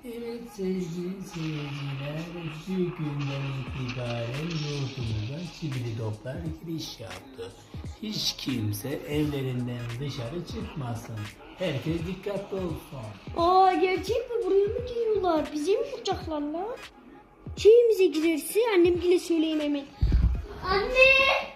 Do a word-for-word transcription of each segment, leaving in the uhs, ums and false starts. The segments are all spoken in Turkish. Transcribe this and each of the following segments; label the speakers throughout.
Speaker 1: Evet sevgili seyirciler, bugünden itibaren yurdumuza çivili toplar giriş yaptı. Hiç kimse evlerinden dışarı çıkmasın. Herkes dikkatli olsun.
Speaker 2: Aa, gerçek mi? Buraya mı geliyorlar? Bize mi vuracaklar lan? Şeyimize girerse annemgile söyleyeyim hemen. Anne!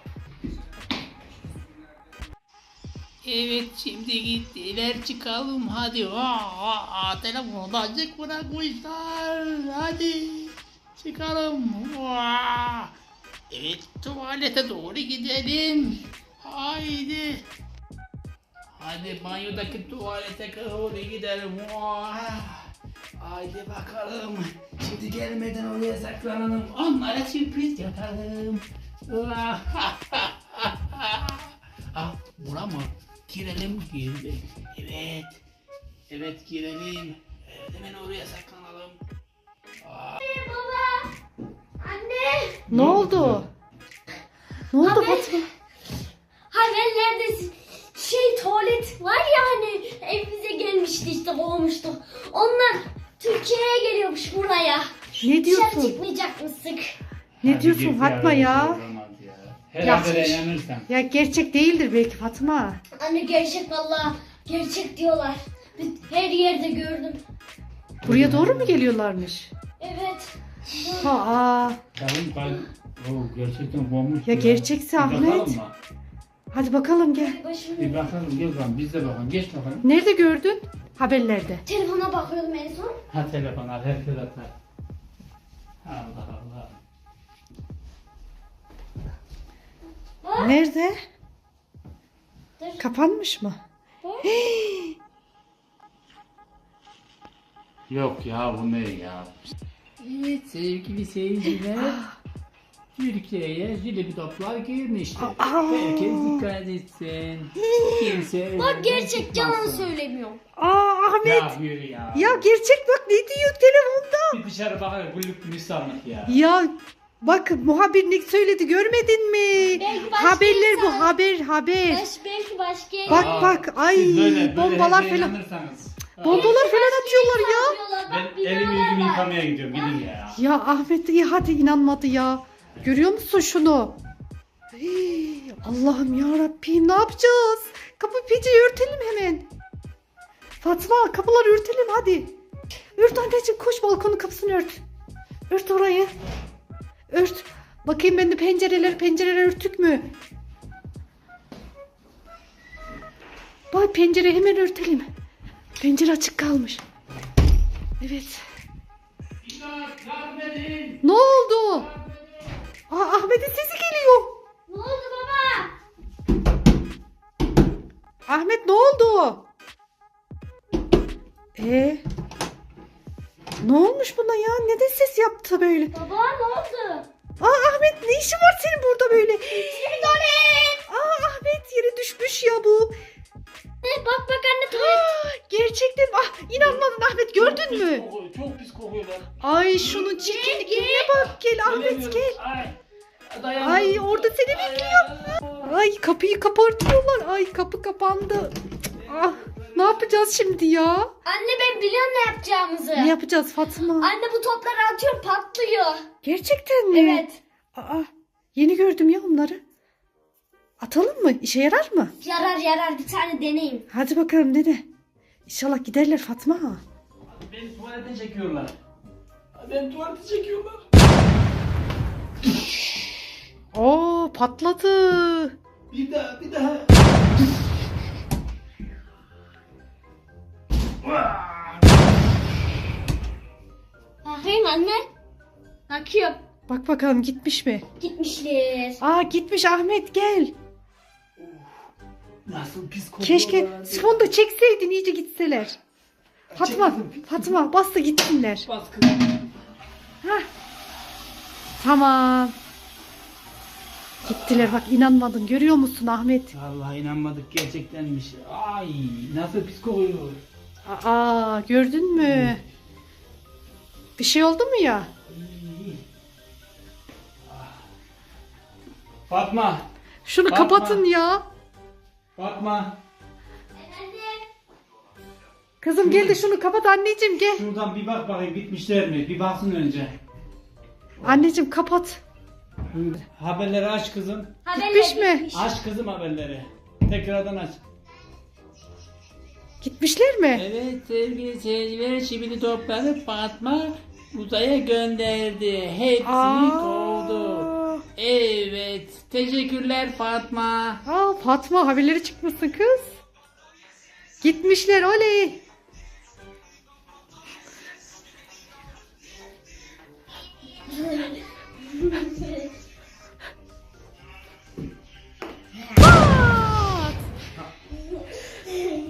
Speaker 1: Evet şimdi gittiler, çıkalım hadi. Aa, aa, telefonu da açık bırakmışlar. Hadi çıkalım. Aa. Evet, tuvalete doğru gidelim. Haydi. Hadi banyodaki tuvalete doğru gidelim. Aa. Haydi bakalım. Şimdi gelmeden oraya saklanalım. Onlara sürpriz yapalım. Ah, bura mı? Girelim, girdi. Evet. Evet, girelim. Evet, hemen oraya saklanalım.
Speaker 2: Anne, baba! Anne!
Speaker 3: Ne oldu? Ne oldu
Speaker 2: Haber-
Speaker 3: Fatma?
Speaker 2: Haberlerde şey tuvalet var ya hani evimize gelmişti işte kovmuştuk. Onlar Türkiye'ye geliyormuş buraya.
Speaker 3: Ne
Speaker 2: Dışarı
Speaker 3: diyorsun?
Speaker 2: çıkmayacakmışsın.
Speaker 3: Ne diyorsun Fatma ya?
Speaker 1: Her
Speaker 3: Ya-
Speaker 1: habere inanırsan.
Speaker 3: Ya gerçek değildir belki Fatma.
Speaker 2: Anne gerçek vallahi gerçek diyorlar. Her yerde gördüm.
Speaker 3: Buraya doğru mu geliyorlarmış?
Speaker 2: Evet.
Speaker 3: Aa,
Speaker 1: Kalın kalın. Oo, gerçekten bomboş.
Speaker 3: Ya gerçekse
Speaker 1: Bir
Speaker 3: Ahmet.
Speaker 1: bakalım mı?
Speaker 3: hadi bakalım gel.
Speaker 2: Başımı...
Speaker 1: Bir bakalım, gel bakalım. Biz de bakalım. Geç bakalım.
Speaker 3: Nerede gördün? Haberlerde.
Speaker 2: Telefona bakıyordum en son.
Speaker 1: Ha telefon al, herkes atar. Allah Allah.
Speaker 2: Bak.
Speaker 3: Nerede?
Speaker 2: Dur.
Speaker 3: Kapanmış mı?
Speaker 2: Bak.
Speaker 1: Yok ya, bu ne ya? Evet sevgili seyirciler. Türkiye'ye jülebi toplar girmiştir.
Speaker 3: Aa.
Speaker 1: Herkes dikkat etsin. Kimse
Speaker 2: Bak
Speaker 1: evden
Speaker 2: gerçek yalan
Speaker 1: çıkmasın.
Speaker 2: söylemiyorum.
Speaker 3: Aa Ahmet.
Speaker 1: Ya yürü ya.
Speaker 3: Ya gerçek bak ne diyor telefonda?
Speaker 1: Bir dışarı bakar, güllük gülistanlık ya.
Speaker 3: Ya bak muhabirlik söyledi görmedin mi?
Speaker 2: Belki başka
Speaker 3: Haberler bu
Speaker 2: insan-
Speaker 3: haber haber.
Speaker 2: Baş, belki başka yere-
Speaker 3: Bak
Speaker 1: Aa,
Speaker 3: bak ay
Speaker 1: siz böyle- böyle
Speaker 3: bombalar
Speaker 1: her şeye
Speaker 3: falan.
Speaker 1: inanırsanız.
Speaker 3: Bombalar
Speaker 2: Belki
Speaker 3: falan
Speaker 2: başka
Speaker 3: atıyorlar
Speaker 2: yere
Speaker 3: ya.
Speaker 2: saldırıyorlar. Bak,
Speaker 1: Ben elimi
Speaker 2: binalar
Speaker 1: yüzümü
Speaker 2: var.
Speaker 1: yıkamaya gidiyorum, gidin ya.
Speaker 3: Ya Ahmet iyi hadi inanmadı ya. Görüyor musun şunu? Hey, Allah'ım ya Rabbim ne yapacağız? Kapı pencereyi örtelim hemen. Fatma kapıları örtelim hadi. Ört anneciğim koş balkonun kapısını ört. Ört orayı. Ört. Bakayım ben de pencereler pencereler örtük mü? Bak pencere hemen örtelim. Pencere açık kalmış. Evet.
Speaker 1: İmdat, yardım edin.
Speaker 3: Ne oldu? Aa, Ahmet'in sesi geliyor.
Speaker 2: Ne oldu baba?
Speaker 3: Ahmet ne oldu? Ee, ne olmuş buna ya? Neden ses yaptı böyle?
Speaker 2: Baba ne oldu?
Speaker 3: Aa Ahmet ne işin var senin burada böyle?
Speaker 2: Tuvalet.
Speaker 3: Aa Ahmet yere düşmüş ya bu.
Speaker 2: Ne, bak bak anne tuvalet.
Speaker 3: Aa, gerçekten ah inanmadın Ahmet gördün
Speaker 1: Çok
Speaker 3: mü?
Speaker 1: pis kokuyor, çok pis kokuyorlar.
Speaker 3: Ay şunun çirkinliğine bak gel Ahmet
Speaker 1: Gelemiyorum.
Speaker 3: gel.
Speaker 1: Ay, dayanamıyorum.
Speaker 3: Ay orada seni
Speaker 1: Ay,
Speaker 3: bekliyor. Ay kapıyı kapatıyorlar. Ay kapı kapandı. Ah ne yapacağız şimdi ya?
Speaker 2: Anne ben biliyorum ne yapacağımızı.
Speaker 3: Ne yapacağız Fatma?
Speaker 2: Anne bu topları atıyorum patlıyor.
Speaker 3: Gerçekten mi?
Speaker 2: Evet.
Speaker 3: Aa, yeni gördüm ya onları. Atalım mı? İşe yarar mı?
Speaker 2: Yarar yarar bir tane deneyim.
Speaker 3: Hadi bakalım dede. İnşallah giderler Fatma.
Speaker 1: Beni tuvalete çekiyorlar. Beni tuvalete çekiyorlar.
Speaker 3: Oo patladı.
Speaker 1: Bir daha, bir daha.
Speaker 2: Bakayım anne. Bakıyorum.
Speaker 3: Bak bakalım gitmiş mi?
Speaker 2: Gitmişler.
Speaker 3: Aa gitmiş Ahmet gel.
Speaker 1: Nasıl pis kokuyorlar.
Speaker 3: Keşke sifonu da çekseydin iyice gitseler. Fatma,
Speaker 1: Çektim.
Speaker 3: Fatma bas da gitsinler.
Speaker 1: Baskı.
Speaker 3: Hah. Tamam. Gittiler bak inanmadın görüyor musun Ahmet?
Speaker 1: Vallahi inanmadık, gerçektenmiş. Ay nasıl pis kokuyor.
Speaker 3: Aa gördün mü? Bir şey oldu mu ya?
Speaker 1: Ay. Fatma.
Speaker 3: Şunu
Speaker 1: Bakma.
Speaker 3: kapatın ya.
Speaker 1: Fatma.
Speaker 2: Efendim.
Speaker 3: Kızım gel de şunu kapat anneciğim gel.
Speaker 1: Şuradan bir bak bakayım gitmişler mi? Bir baksın önce.
Speaker 3: Anneciğim kapat.
Speaker 1: Haberleri aç kızım.
Speaker 2: Haberler
Speaker 3: Gitmiş mi?
Speaker 2: gitmiş.
Speaker 1: Aç kızım haberleri. Tekrardan aç.
Speaker 3: Gitmişler mi?
Speaker 1: Evet sevgili seyirciler, şimdi topları Fatma uzaya gönderdi. Hepsini kovdu. Evet, teşekkürler Fatma.
Speaker 3: Aa, Fatma haberleri çıkmışsın kız. Gitmişler oley.